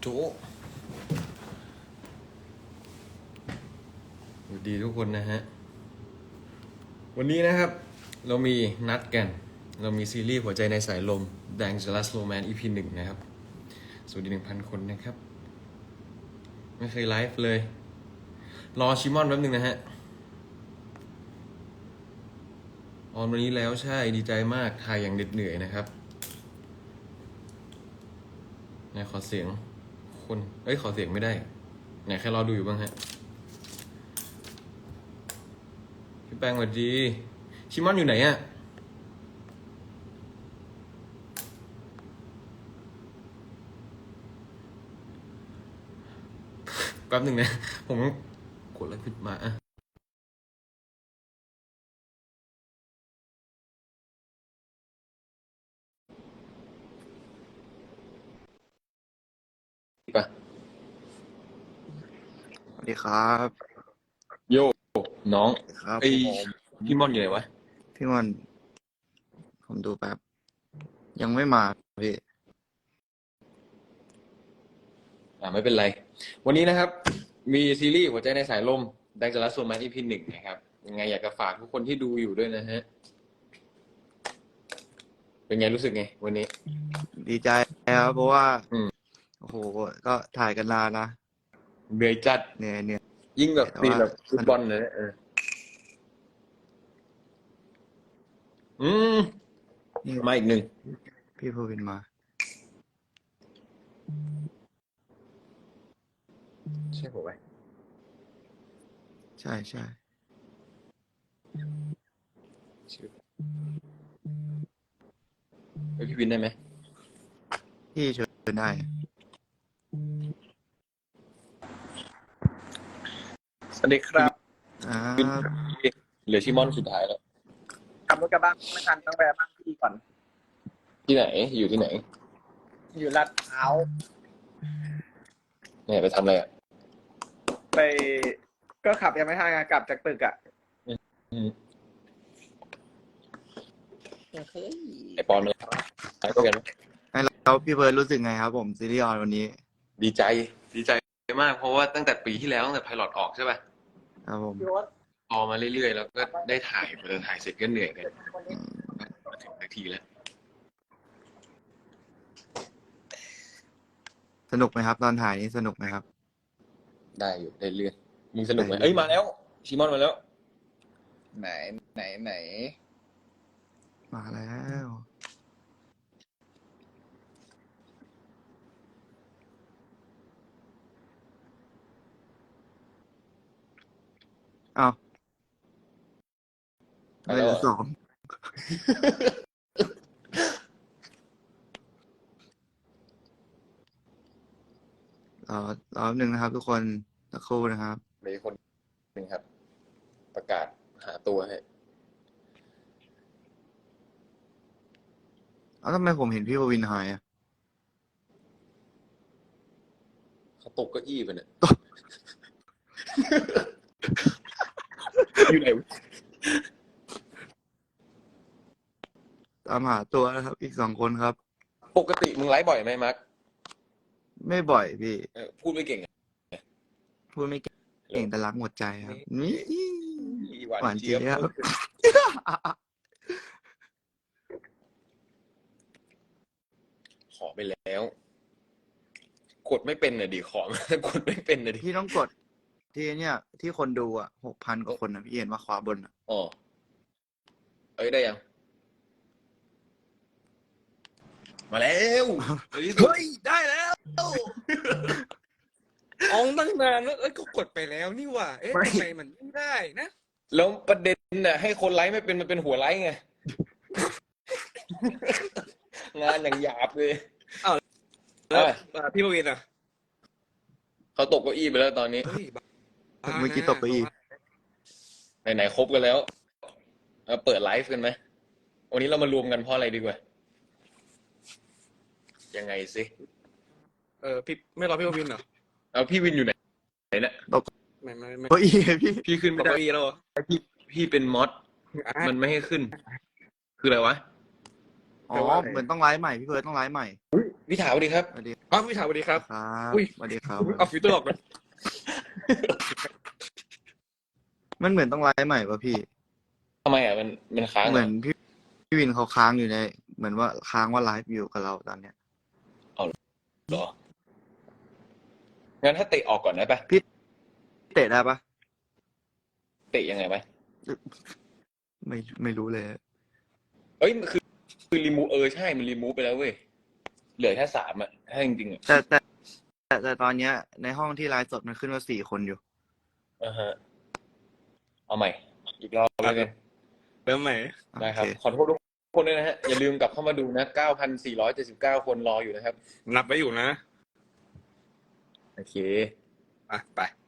โจสวัสดีทุกคนนะฮะวันนี้นะครับเรามีนัดกันเรามีซีรีส์หัวใจในสายลม Dangerous Romance EP 1นะครับสวัสดี 1,000 คนนะครับไม่เคยไลฟ์เลยรอชิมอนแป๊บนึงนะฮะออนวันนี้แล้วใช่ดีใจมากถ่ายอย่างเหน็ดเหนื่อยนะครับไหนขอเสียงคนขอเสียงไม่ได้ไหนใครรอดูอยู่บ้างฮะพี่แป้งสวัสดีชิมอนอยู่ไหนอะแป๊บหนึ่งนะผมกดแล้วผิดมาอะปะสวัสดีครับโยน้องครับไอผมพี่ม่อนอยู่ไหนวะพี่มอนผมดูแป๊บยังไม่มาพี่ไม่เป็นไร วันนี้นะครับ มีซีรีส์หัวใจในสายลมดังจะรัสโซมัน EP 1นะครับยังไงอยากจะฝากทุกคนที่ดูอยู่ด้วยนะฮะเป็นไงรู้สึกไงวันนี้ดีใจครับเพราะว่าอืมโอ้โหก็ถ่ายกันนานนะเหนื่อยจัดเหนื่อยยิ่งแบบแต่ตีว่าแบบฟุตบอลเลยนะอืมนี่มาอีกหนึ่งพี่ภูวินมาใช่ผมไหมใช่ชื่อพี่วินได้ไหมพี่เชิญได้สวัสดีครับครับเหลือชิมอนสุดท้ายแล้วขับรถกลับบ้านไม่ทันต้องแวะบ้านพี่ก่อนที่ไหนอยู่ที่ไหนอยู่ลาดพร้าวเนี่ยไปทำอะไรอ่ะไปก็ขับยังไม่ทันไงกลับจากตึกอ่ะอืมเฮ้ยไอปอนมาแล้วไปก็กันไหมแล้วพี่เบิร์ดรู้สึกไงครับผมซีรีส์ออนวันนี้ดีใจมากเพราะว่าตั้งแต่ปีที่แล้วตั้งแต่ไพลอตออกใช่ป่ะครับผมพี่โอ๊ตพอมาเรื่อยๆแล้วก็ได้ถ่ายพอถ่ายเสร็จก็เหนื่อยกันวันนี้มาถึงนาทีแล้วสนุกไหมครับ ตอนถ่ายนี้สนุกไหมครับได้อยู่ได้เรื่อยมึงสนุกไหมได้เอ้ยมาแล้วชิมอนมาแล้วไหนมาแล้วอ้าวไม่เหลือสองรอบหนึ่งนะครับ ทุกคนสักครู่นะครับมีคนหนึ่งครับ ประกาศหาตัวให้ทำไมผมเห็นพี่ภูวินหายอ่ะเขาตกเก้าอี้ไปเนี่ย อยู่ไหนวะตามหาตัวนะครับ อีก2 คนครับปกติมึงไลฟ์บ่อยไหมมาร์คไม่บ่อยพี่พูดไม่เก่งอะพูดไม่เก่งแต่รักหมดใจครับนี่ หวานเจี๊ยบขอไปแล้ว กดไม่เป็นน่ะดิขอ กดไม่เป็นน่ะดิพี่ต้องกดที่เนี่ยที่คนดูอ่ะ6,000 กว่าคนนะพี่เห็นว่าขวาบนอ่ะอ๋อเอ้ยได้ยัง มาแล้วเฮ้ยเฮ้ย ได้แล้วอองตั้งนานแล้วก็กดไปแล้วนี่หว่า เอ๊ะทำไมมันไม่ได้นะแล้วประเด็นน่ะให้คนไลฟ์ไม่เป็นมันเป็นหัวไลฟ์ไง งานอย่างหยาบเลยแล้วพี่ปวินอ่ะเขาตกเก้าอี้ไปแล้วตอนนี้เฮ้ยบ้าเมื่อกี้ตกไปอีกไหนๆครบกันแล้วเปิดไลฟ์กันไหมวันนี้เรามารวมกันเพราะอะไรดีกว่า ยังไงสิพี่ไม่รอพี่ปวินเหรอเอาพี่วินอยู่ไหนเนี่ยไม่เก้าอี้พี่พี่ขึ้นตไม่กได้เก้าอี้แล้วเหรอพี่เป็นมอสอ่ะมันไม่ให้ขึ้น คืออะไรวะอ๋อเหมือนต้องไลฟ์ใหม่พี่เพิร์ดต้องไลฟ์ใหม่พี่ถาสวัสดีครับสวัสดีอ้าวพี่ถามสวัสดีครับครับอุ้ยสวัสดีครับเอาฟิลเตอร์ออกเลยมันเหมือนต้องไลฟ์ใหม่ป่ะพี่ทำไมอ่ะมันค้างเหมือนพี่วินเขาค้างอยู่ใน เหมือนว่าค้างว่าไลฟ์อยู่กับเราตอนเนี้ยเหรองั้นถ้าเตะออกก่อนได้ปะเตะได้ปะเตะยังไงไหมไม่รู้เลยเอ้ยคือรีมูใช่มันรีมูฟไปแล้วเว้ยเหลือแค่3อ่ะถ้าจริงๆอ่ะแต่ตอนเนี้ย ในห้องที่ไลฟ์สดมันขึ้นว่า4 คนอยู่ฮะเอาใหม่ อีกรอบแล้วกันเริ่มใหม่ได้ครับโอเคขอโทษทุกคนด้วยนะฮะ อย่าลืมกลับเข้ามาดูนะ 9,479 คนรออยู่นะครับนับไว้อยู่นะโอเคอ่ะไป